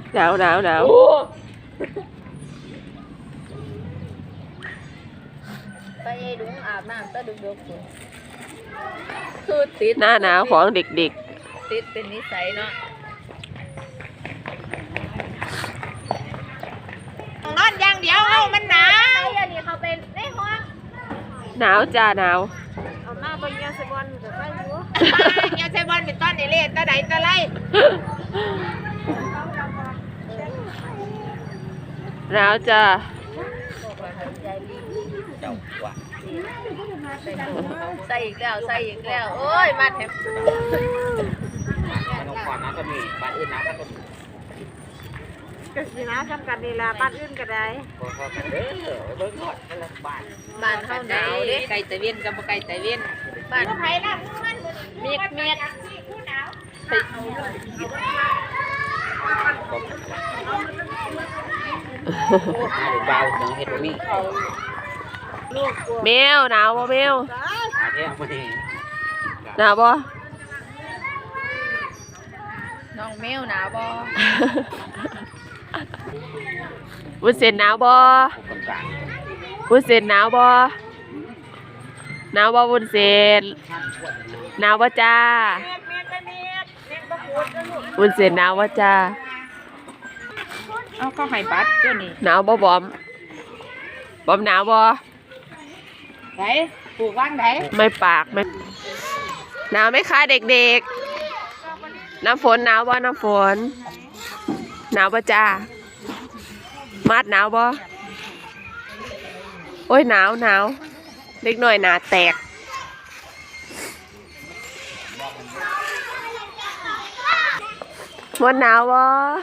หนาวหนาวหนาวไปดุงอาบน้ำก็ดุกคือติดหน้าหนาวของเด็กติดเป็นนิสัยเนาะนอนอย่างเดียวเอามันหนาวอันนี้เขาเป็นในห้องๆหนาวจ้าหนาวเอามาบนยาเซบอนจะไปอยู่ยาเซบอนเป็นต้นเล่ตะไดตะไรหนาวจ้าใส่อีกแล้วโอ้ยมาแถมน้องก่อนนะก็มีบ้านอื่นนะก็มีก็สินะทำกันนี่ละบ้านอื่นก็ได้พอกันเด้อเบิ่งหอดกันละบ้านเฮาหนาวเด้ไก่ตะเวียนกับบ่ไก่ตะเวียนบ้านไผล่ะมันเมียกเบาน้องเฮ็ดบ่มีแมวหนาวบ่แมวอาเที่ยงมานี่หนาวบ่น้องแมวหนาวบ่วุ้นเส้นหนาวบ่วุ้นเส้นหนาวบ่หนาวบ่วุ้นเส้นหนาวบ่จ้าวุ้นเส้นหนาวบ่จ้าเอาก็ให้บัตรตัวนี้หนาวบ่บอมหนาวบ่ไหนปลูกว่างไหนไม่ปากไม่หนาวไหมคะเด็กๆน้ำฝนหนาวบ่น้ำฝนหนาวบ่จ้ามัดหนาวบ่โอ้ยหนาวเล็กหน่อยหนาแตกมดหนาวบ่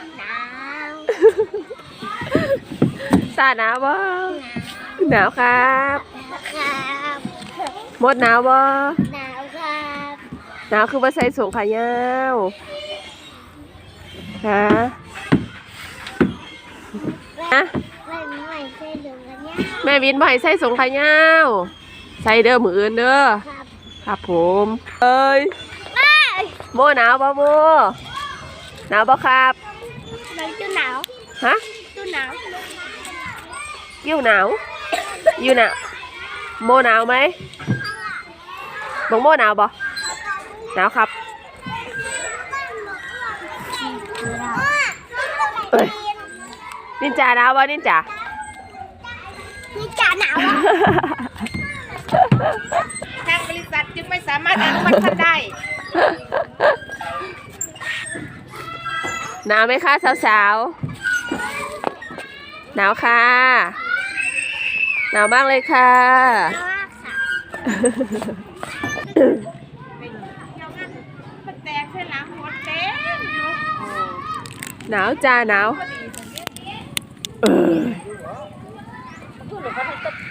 ตาหนาวบ่หนาวครับมดหนาวบ่หนาวครับหนาวคือว่าใส่สูงขายาวฮะแม่วินบ่ให้ใส่สูงขายาวใส่เด้อมืออื่นเด้อครับผมเอ้ยโมหนาวบ่โมหนาวบ่ครับมันจะหนาวฮะจะหนาวอยู่หนาวอยู่หนาวโมหนาวไหมบอกโมหนาวบ่หนาวครับนินจาหนาวบ่นินจาหนาวทางบริษัทจึงไม่สามารถอนุมัติได้หนาวไหมคะสาวๆหนาวค่ะหนาวมากเลยค่ะหนาวจ้าหนาว